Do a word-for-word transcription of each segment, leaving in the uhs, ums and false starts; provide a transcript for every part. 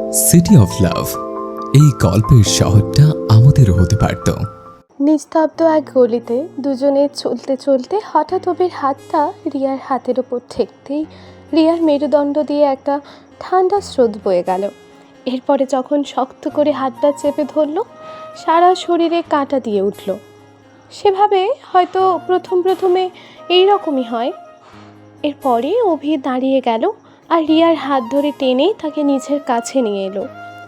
City of love, এই গল্পের শহরটা আমাদেরও হতে পারত। নিস্তব্ধ এক গলিতে দুজনে চলতে চলতে হঠাৎ অভির হাতটা রিয়ার হাতের ওপর ঠেকতেই রিয়ার মেরুদণ্ড দিয়ে একটা ঠান্ডা স্রোত বয়ে গেল। এরপরে যখন শক্ত করে হাতটা চেপে ধরল, সারা শরীরে কাঁটা দিয়ে উঠল। সেভাবে হয়তো প্রথম প্রথমে এই রকমই হয়। এরপরে অভি দাঁড়িয়ে গেল আর রিয়ার হাত ধরে টেনে তাকে নিজের কাছে নিয়ে এলো।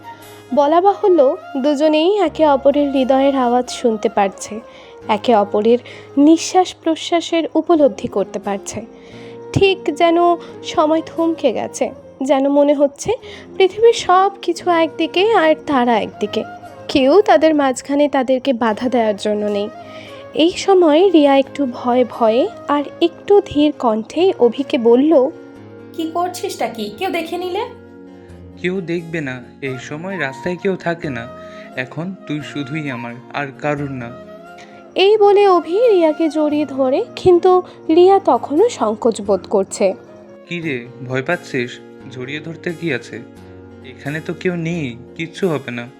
বলা বাহুল্য, দুজনেই একে অপরের হৃদয়ের আওয়াজ শুনতে পারছে, একে অপরের নিঃশ্বাস প্রশ্বাসের উপলব্ধি করতে পারছে। ঠিক যেন সময় থমকে গেছে, যেন মনে হচ্ছে পৃথিবীর সব কিছু একদিকে আর তারা একদিকে, কেউ তাদের মাঝখানে তাদেরকে বাধা দেওয়ার জন্য নেই। এই সময় রিয়া একটু ভয়ে ভয়ে আর একটু ধীর কণ্ঠে অভিকে বলল, কি করছিসটা কি? কেউ দেখে নিলে? কেউ দেখবে না, এই সময় রাস্তায় কেউ থাকে না। এখন তুই শুধুই আমার, আর কারুর না। এই বলে অভি রিয়াকে জড়িয়ে ধরে, কিন্তু রিয়া তখনও সংকোচ বোধ করছে। কি রে, ভয় পাচ্ছিস? জড়িয়ে ধরতে কি আছে? এখানে তো কেউ নেই, কিচ্ছু হবে না।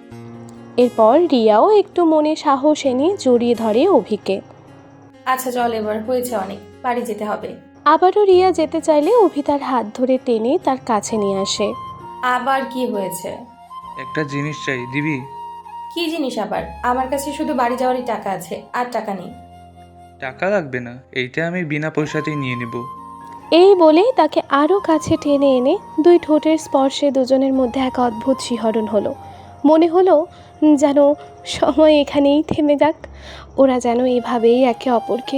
এরপর রিয়াও একটু মনে সাহস এনে জড়িয়ে ধরে অভিকে। আচ্ছা চল, এবার হয়েছে অনেক, বাড়ি যেতে হবে। আবারও রিয়া যেতে চাইলে অভি তার হাত ধরে টেনে তার কাছে নিয়ে আসে। আবার কি হয়েছে? একটা জিনিস চাই, দিবি? কি জিনিস আবার? আমার কাছে শুধু বাড়ি যাওয়ারই টাকা আছে, আর টাকা নেই। টাকা লাগবে না, এইটা আমি বিনা পয়সাতেই নিয়ে নেব। এই বলে তাকে আরও কাছে টেনে এনে দুই ঠোঁটের স্পর্শে দুজনের মধ্যে এক অদ্ভুত শিহরণ হলো। মনে হলো যেন সময় এখানেই থেমে যাক, ওরা যেন এভাবেই একে অপরকে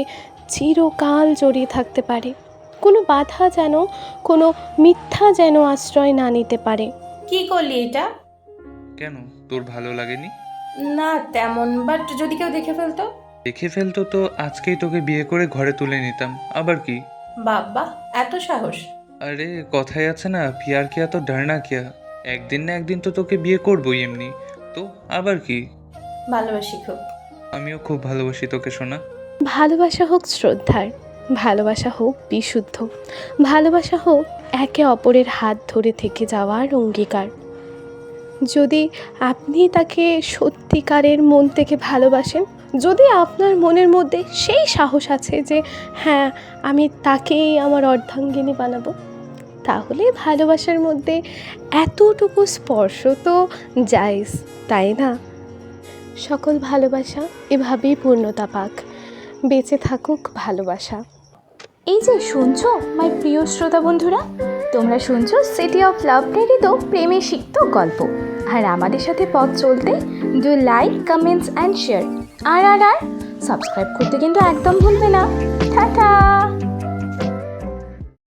চিরকাল জড়িয়ে থাকতে পারে। কোনো বাধা যেন, কোনো মিথ্যা যেন আশ্রয় না নিতে পারে। কি করলি এটা? কেন, তোর ভালো লাগেনি? না তেমন, বাট যদি কেউ দেখে ফেলতো? দেখে ফেলতো তো আজকেই তোকে বিয়ে করে ঘরে তুলে নিতাম, আবার কি? বাবা, এত সাহস! আরে কথাই আছে না, পিয়ার কিয়া তো ডারনা কিয়া। একদিন না একদিন তো তোকে বিয়ে করবোই এমনি, তো আবার কি? ভালোবাসি খুব। আমিও খুব ভালোবাসি তোকে, সোনা। ভালোবাসা হোক শ্রদ্ধার, ভালোবাসা হোক বিশুদ্ধ, ভালোবাসা হোক একে অপরের হাত ধরে থেকে যাওয়ার অঙ্গীকার। যদি আপনি তাকে সত্যিকারের মন থেকে ভালোবাসেন, যদি আপনার মনের মধ্যে সেই সাহস আছে যে হ্যাঁ, আমি তাকেই আমার অর্ধাঙ্গিনী বানাবো, তাহলে ভালোবাসার মধ্যে এতটুকু স্পর্শ তো জায়েজ, তাই না? সকল ভালোবাসা এভাবেই পূর্ণতা পাক, বেঁচে থাকুক ভালোবাসা। এই যে শুনছো মাই প্রিয় শ্রোতা বন্ধুরা, তোমরা শুনছো সিটি অফ লাভ প্রেরিত প্রেমে সিক্ত গল্প। আর আমাদের সাথে পথ চলতে do like, comments and share. আর আর আর সাবস্ক্রাইব করতে কিন্তু একদম ভুলবে না।